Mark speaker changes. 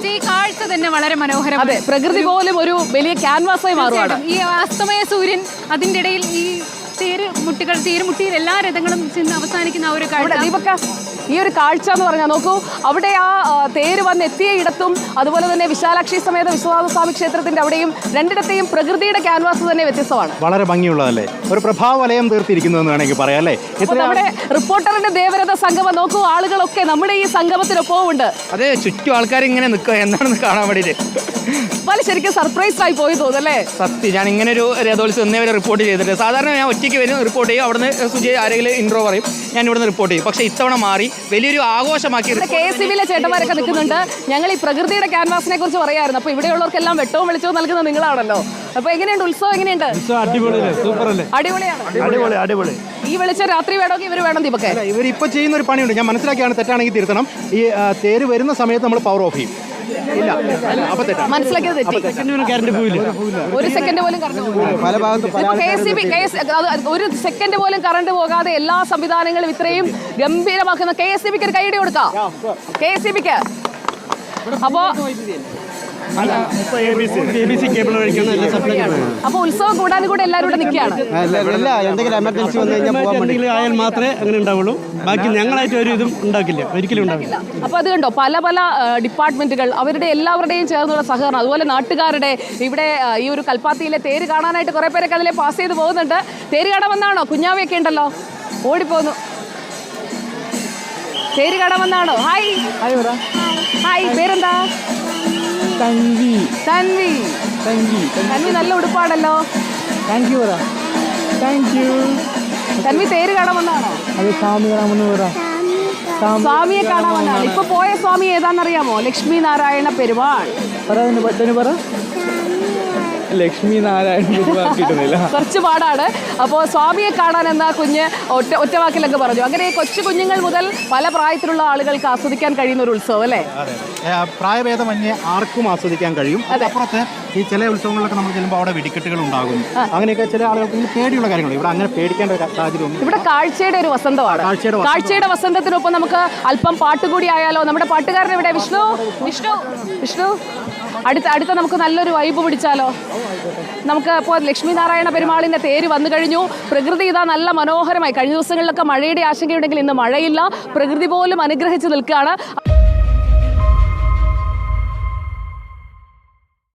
Speaker 1: പക്ഷേ ഈ കാഴ്ച തന്നെ വളരെ മനോഹരമാണ്.
Speaker 2: അതെ, പ്രകൃതി പോലും ഒരു വലിയ ക്യാൻവാസായി മാറുകയാണ്.
Speaker 1: ഈ അസ്തമയ സൂര്യൻ, അതിന്റെ ഇടയിൽ ഈ തേരുമുട്ടിയിൽ എല്ലാ രഥങ്ങളും ചെന്ന് അവസാനിക്കുന്ന ആ ഒരു കാഴ്ച.
Speaker 2: ദീപക്ക, ഈ ഒരു കാഴ്ച എന്ന് പറഞ്ഞാൽ നോക്കൂ, അവിടെ ആ തേര് വന്ന് എത്തിയ ഇടത്തും അതുപോലെ തന്നെ വിശാലാക്ഷി സമേത വിശ്വനാഥസ്വാമി ക്ഷേത്രത്തിന്റെ അവിടെയും രണ്ടിടത്തെയും പ്രകൃതിയുടെ ക്യാൻവാസ് തന്നെ വ്യത്യസ്തമാണ്.
Speaker 3: വളരെ ഭംഗിയുള്ളതല്ലേ, ഒരു പ്രഭാവലയം തീർത്തിരിക്കുന്നു എന്ന് വേണമെങ്കിൽ പറയാം അല്ലേ.
Speaker 2: നമ്മുടെ റിപ്പോർട്ടറിന്റെ ദേവരഥ സംഗമം നോക്കൂ, ആളുകളൊക്കെ നമ്മുടെ ഈ സംഗമത്തിനൊപ്പവും ഉണ്ട്.
Speaker 4: അതെ, ചുറ്റും ആൾക്കാർ ഇങ്ങനെ നിൽക്കുക എന്താണെന്ന് കാണാൻ വേണ്ടിയിട്ട്.
Speaker 2: ശരിക്കും സർപ്രൈസ് ആയി പോയി തോന്നല്ലേ.
Speaker 4: സത്യം, ഞാൻ ഇങ്ങനെ ഒരു രഥോത്സവം ഇന്നേ വരെ റിപ്പോർട്ട് ചെയ്തിട്ട്. സാധാരണ ഞാൻ ഒറ്റയ്ക്ക് വരും, റിപ്പോർട്ട് ചെയ്യും, അവിടുന്ന് സുജയ് ആരെങ്കിലും ഇൻട്രോ പറയും, ഞാൻ ഇവിടുന്ന് റിപ്പോർട്ട് ചെയ്യും. പക്ഷേ ഇത്തവണ മാറി വലിയൊരു ആഘോഷമാക്കി.
Speaker 2: KSCB ചേട്ടന്മാരൊക്കെ നിൽക്കുന്നുണ്ട്. ഞങ്ങൾ ഈ പ്രകൃതിയുടെ ക്യാൻവാസിനെ കുറിച്ച് പറയായിരുന്നു. അപ്പോൾ ഇവിടെയുള്ളവർക്കെല്ലാം വെട്ടവും വെളിച്ചവും നൽകുന്ന നിങ്ങളാണല്ലോ. അപ്പോൾ എങ്ങനെയുണ്ട് ഉത്സവം? എങ്ങനെയുണ്ട്? അടിപൊളി. ഈ വെളിച്ചം രാത്രി വേണമെങ്കിൽ ഇവർ വേണം. ദീപക്കെ,
Speaker 3: ഇവരിപ്പോൾ ചെയ്യുന്ന ഒരു പണിയുണ്ട്, ഞാൻ മനസ്സിലാക്കിയാണ്, തെറ്റാണെങ്കിൽ തിരുത്തണം. ഈ തേര് വരുന്ന സമയത്ത് നമ്മൾ പവർ ഓഫ് ചെയ്യും.
Speaker 2: മനസ്സിലാക്കിയത് തെറ്റി. ഒരു സെക്കൻഡ് പോലും ഒരു സെക്കൻഡ് പോലും കറണ്ട് പോകാതെ എല്ലാ സംവിധാനങ്ങളും ഇത്രയും ഗംഭീരമാക്കുന്ന KSCBക്ക് ഒരു കൈയടി കൊടുക്കാം. KSCBക്ക്. അപ്പോ അപ്പൊ ഉത്സവം കൂടാനും കൂടെ എല്ലാവരും കൂടെ നിൽക്കുകയാണ്.
Speaker 5: എന്തെങ്കിലും എമർജൻസി വന്നു കഴിഞ്ഞാൽ ആയാൽ മാത്രമേ അങ്ങനെ ഉണ്ടാവുള്ളൂ. ബാക്കി ഞങ്ങളായിട്ട് ഒരു ഇതും ഉണ്ടാക്കില്ല, ഒരിക്കലും ഉണ്ടാക്കില്ല.
Speaker 2: അപ്പൊ അത് കണ്ടോ, പല പല ഡിപ്പാർട്ട്മെന്റുകൾ, അവരുടെ എല്ലാവരുടെയും ചേർന്നുള്ള സഹകരണം, അതുപോലെ നാട്ടുകാരുടെ ഇവിടെ ഈ ഒരു കൽപ്പാത്തിയിലെ തേര് കാണാനായിട്ട് കുറെ പേരൊക്കെ അതിലെ പാസ് ചെയ്ത് പോകുന്നുണ്ട്. തേര് കാണാൻ വന്നാണോ? കുഞ്ഞാവയൊക്കെ ഉണ്ടല്ലോ, ഓടിപ്പോന്നു. തേര് കാണാൻ വന്നാണോ? ഹായ് ഹായ്, പേരെന്താ? തൻവി. നല്ല ഉടുപ്പാണല്ലോ. തൻവി തേര് കാണാൻ വന്നാണോ? സ്വാമിയെ കാണാൻ വന്നാണ്. ഇപ്പൊ പോയ സ്വാമി ഏതാണെന്നറിയാമോ? ലക്ഷ്മി നാരായണ പെരുമാൾ.
Speaker 5: ലക്ഷ്മി നാരായണ കിട്ടുന്നില്ല,
Speaker 2: കുറച്ച് പാടാണ്. അപ്പോൾ സ്വാമിയെ കാണാൻ എന്ന കുഞ്ഞ് ഒറ്റവാക്കിലൊക്കെ പറഞ്ഞു. അങ്ങനെ കൊച്ചു കുഞ്ഞുങ്ങൾ മുതൽ പല പ്രായത്തിലുള്ള ആളുകൾക്ക് ആസ്വദിക്കാൻ കഴിയുന്ന ഒരു ഉത്സവം അല്ലേ.
Speaker 3: പ്രായഭേദമന്യേ ആർക്കും ആസ്വദിക്കാൻ കഴിയും. അപ്പുറത്ത് ഈ ചില ഉത്സവങ്ങളിലൊക്കെ നമ്മൾ ചെല്ലുമ്പോൾ അവിടെ വെടിക്കെട്ടുകൾ ഉണ്ടാകും. അങ്ങനെയൊക്കെ ചില ആളുകൾക്ക് പേടിയുള്ള കാര്യങ്ങൾ. ഇവിടെ അങ്ങനെ പേടിക്കേണ്ട ഒരു സാഹചര്യം. ഇവിടെ
Speaker 2: കാഴ്ചയുടെ ഒരു വസന്തമാണ്. കാഴ്ചയുടെ വസന്തത്തിനൊപ്പം നമുക്ക് അല്പം പാട്ടുകൂടി ആയാലോ? നമ്മുടെ പാട്ടുകാരൻ ഇവിടെ വിഷ്ണു അടുത്ത നമുക്ക് നല്ലൊരു വൈബ് പിടിച്ചാലോ? നമുക്ക് ഇപ്പോൾ ലക്ഷ്മി നാരായണ പെരുമാളിൻ്റെ തേര് വന്നു കഴിഞ്ഞു. പ്രകൃതി ഇതാ നല്ല മനോഹരമായി. കഴിഞ്ഞ ദിവസങ്ങളിലൊക്കെ മഴയുടെ ആശങ്കയുണ്ടെങ്കിൽ ഇന്ന് മഴയില്ല. പ്രകൃതി പോലും അനുഗ്രഹിച്ച് നിൽക്കുകയാണ്.